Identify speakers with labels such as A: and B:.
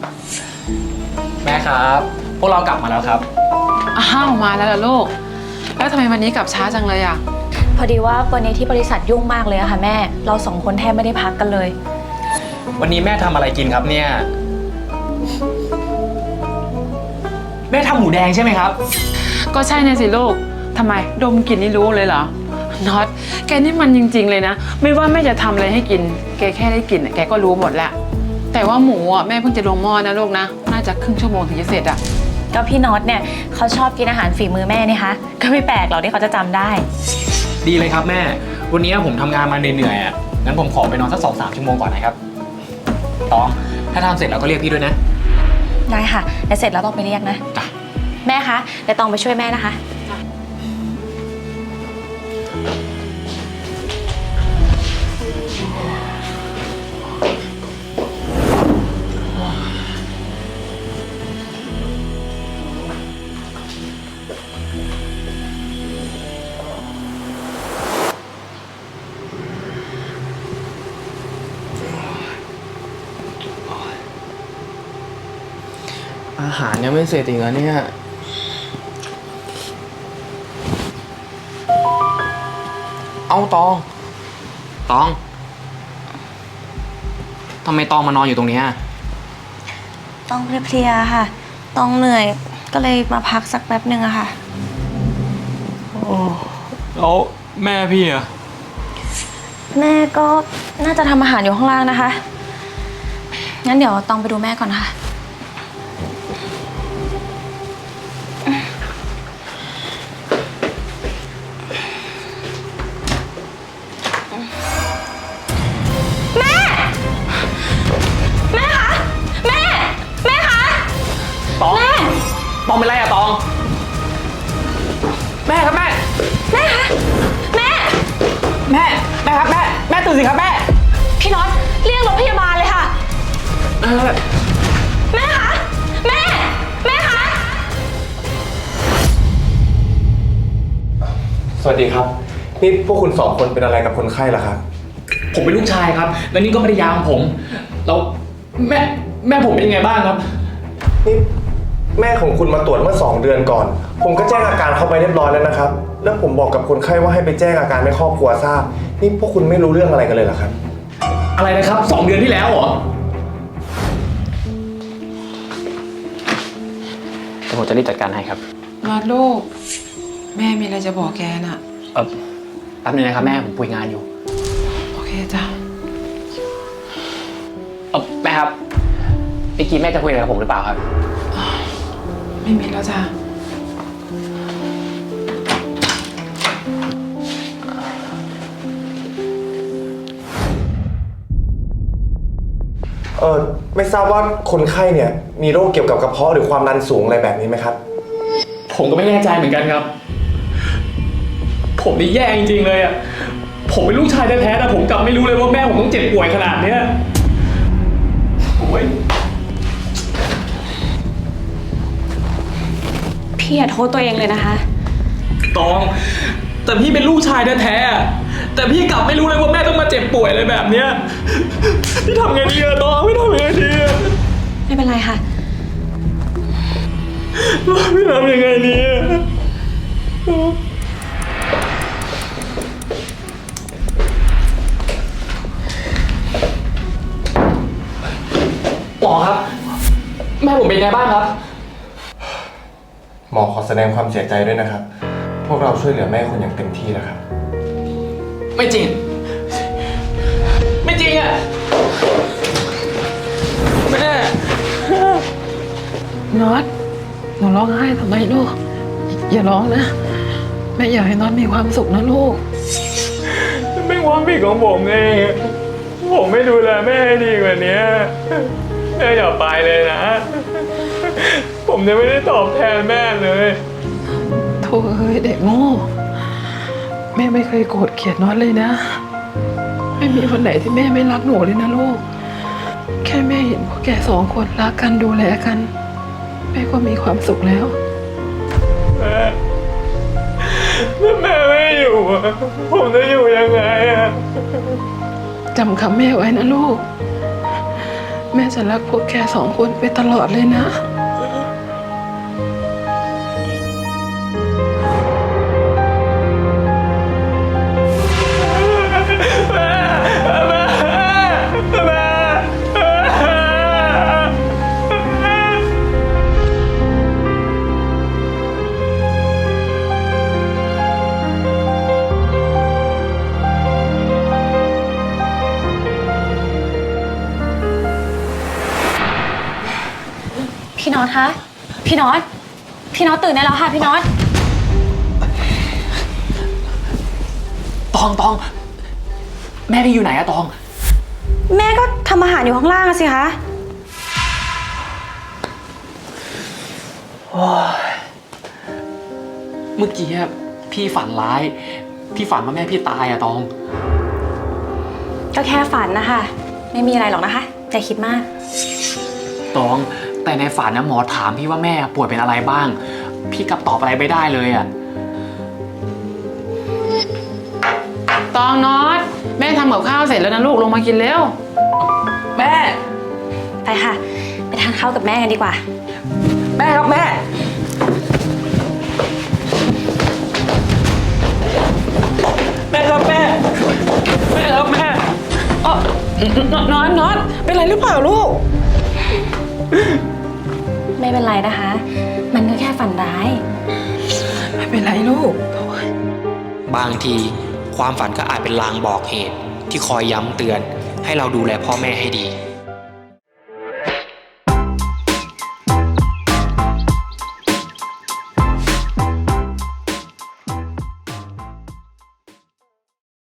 A: แม่ครับพวกเรากลับมาแล้วครับ
B: อ้าวมาแล้วล่ะลูกแล้วทำไมวันนี้กลับช้าจังเลยอ่ะ
C: พอดีว่าวันนี้ที่บริษัทยุ่งมากเลยอะค่ะแม่เราสองคนแทบไม่ได้พักกันเลย
A: วันนี้แม่ทำอะไรกินครับเนี่ยแม่ทำหมูแดงใช่ไหมครับ
B: ก็ใช่เนี่ยสิลูกทำไมดมกลิ่นนี่รู้เลยเหรอน็อตแกนี่มันจริงๆเลยนะไม่ว่าแม่จะทำอะไรให้กินแกแค่ได้กลิ่นแกก็รู้หมดแล้วแต่ว่าหมูอ่ะแม่เพิ่งจะลงหม้อนะลูกนะน่าจะครึ่งชั่วโมงถึงจะเสร็จอ่ะ
C: ก็พี่น็อตเนี่ยเขาชอบกินอาหารฝีมือแม่นี่คะก็ไม่แปลกหรอกที่เขาจะจำได้
A: ดีเลยครับแม่วันนี้ผมทำงานมาเหนื่อยๆอ่ะงั้นผมขอไปนอนสัก2-3 ชั่วโมงก่อนนะครับตองถ้าทำเสร็จแล้วก็เรียกพี่ด้วยนะ
C: ได้ค่ะเดี๋ยวเสร็จแล้วต้องไปเรียกนะแม่คะเดี๋ยวต้องไปช่วยแม่นะคะ
A: อาหารยังไม่เสร็จอีกแล้วเนี่ยเอาตองทำไมตองมานอนอยู่ตรงนี้
C: ต้องเพลียๆค่ะต้องเหนื่อยก็เลยมาพักสักแป๊บนึงอะค่ะ
A: แล้วแม่พี่อะ
C: แม่ก็น่าจะทำอาหารอยู่ข้างล่างนะคะงั้นเดี๋ยวต้องไปดูแม่ก่อนค่ะ
A: ตองเป็นไรอะตองแม่ครับแม่
C: คะแม่
A: ครับแม่ตื่นสิครับแม่
C: พี่น็อตเรียกรถพยาบาลเลยค่ะแม่คะแม่คะ
D: สวัสดีครับนี่พวกคุณ2 คนเป็นอะไรกับคนไข้ล่ะครับ
A: ผมเป็นลูกชายครับแล้วนี่ก็ภรรยาของผมแล้วแม่ผมเป็นยังไงบ้างครับ
D: นี่แม่ของคุณมาตรวจเมื่อ2 เดือนก่อนผมก็แจ้งอาการเข้าไปเรียบร้อยแล้วนะครับแล้วผมบอกกับคนไข้ว่าให้ไปแจ้งอาการให้ครอบครัวทราบนี่พวกคุณไม่รู้เรื่องอะไรกันเลยเหรอครับ
A: อะไรนะครับ2 เดือนที่แล้วเหรอแต่ผมจะรีบจัดการให้ครับ
B: น็อตลูกแม่มีอะไรจะบอกแกน่ะ
A: แป๊บนึงนะครับแม่ผมคุยงานอยู่
B: โอเคจ้ะ
A: แม่ครับเมื่อกี้แม่จะคุยอะไรกับผมหรือเปล่าครับ
B: ไม่มีแล้วจ้ะ
D: ไม่ทราบว่าคนไข้เนี่ยมีโรคเกี่ยวกับกระเพาะหรือความดันสูงอะไรแบบนี้ไหมครับ
A: ผมก็ไม่แน่ใจเหมือนกันครับผมนี่แย่จริงๆเลยอ่ะผมเป็นลูกชายแท้ๆแต่ผมกลับไม่รู้เลยว่าแม่ผมต้องเจ็บป่วยขนาดนี้โอ้ย
C: พี่อย่าโทษตัวเองเลยนะคะ
A: ตองแต่พี่เป็นลูกชายแท้ๆแต่พี่กลับไม่รู้เลยว่าแม่ต้องมาเจ็บป่วยอะไรแบบเนี้ยพี่ทำไงดีอะตองพี่ทำไงดีอะ
C: ไม่เป็นไรค่ะ
A: พี่ทำยังไงดีอะหมอครับแม่ผมเป็นไงบ้างครับ
D: หมอขอแสดงความเสียใจด้วยนะครับพวกเราช่วยเหลือแม่คุณอย่างเต็มที่แล้วครับ
A: ไม่จริงอ่ะแม่
B: น็อตหนูร้องไห้ทำไมลูกอย่าร้องนะแม่อยากให้น็อตมีความสุขนะลูก
A: เป็นความผิดของผมเองผมไม่ดูแลแม่ให้ดีกว่านี้แม่อย่าไปเลยนะผมจะไม่ได้ตอบแทนแม่เลย
B: โธ่เอ้ยเด็กโง่แม่ไม่เคยโกรธเกลียดน็อตเลยนะไม่มีวันไหนที่แม่ไม่รักหนูเลยนะลูกแค่แม่เห็นพวกแก2 คนรักกันดูแลกันแม่ก็มีความสุขแล้ว
A: แม่ไม่อยู่ผมจะอยู่ยังไงอะ
B: จำคำแม่ไว้นะลูกแม่จะรักพวกแกสองคนไปตลอดเลยนะ
C: พี่น็อตคะ พี่น็อต พี่น็อตตื่นได้แล้วค่ะพี่น็อต
E: ตอง แม่พี่อยู่ไหนอะตอง
C: แม่ก็ทำอาหารอยู่ข้างล่างอะสิคะ
E: เมื่อกี้อะพี่ฝันร้าย พี่ฝันว่าแม่พี่ตายอะตอง
C: ก็แค่ฝันนะคะ ไม่มีอะไรหรอกนะคะอย่าคิดมาก
E: ตอง แต่ในฝันนะหมอถามพี่ว่าแม่ป่วยเป็นอะไรบ้าง พี่กลับตอบอะไรไม่ได้เลยอะ
B: ตองน็อตแม่ทำกับข้าวเสร็จแล้วนะลูกลงมากินเร็ว
E: แม่
C: ไปค่ะ ไปทานข้าวกับแม่กันดีกว่า
E: แม่ครับแม่ แม่ครับแม่ แม่ครับแม่
B: น็อตเป็นไรหรือเปล่าลูก
C: ไม่เป็นไรนะคะ มันก็แค่ฝันร้าย
B: ไม่เป็นไรลูก
F: บางทีความฝันก็อาจเป็นลางบอกเหตุที่คอยย้ำเตือนให้เราดูแลพ่อแม่ให้ดี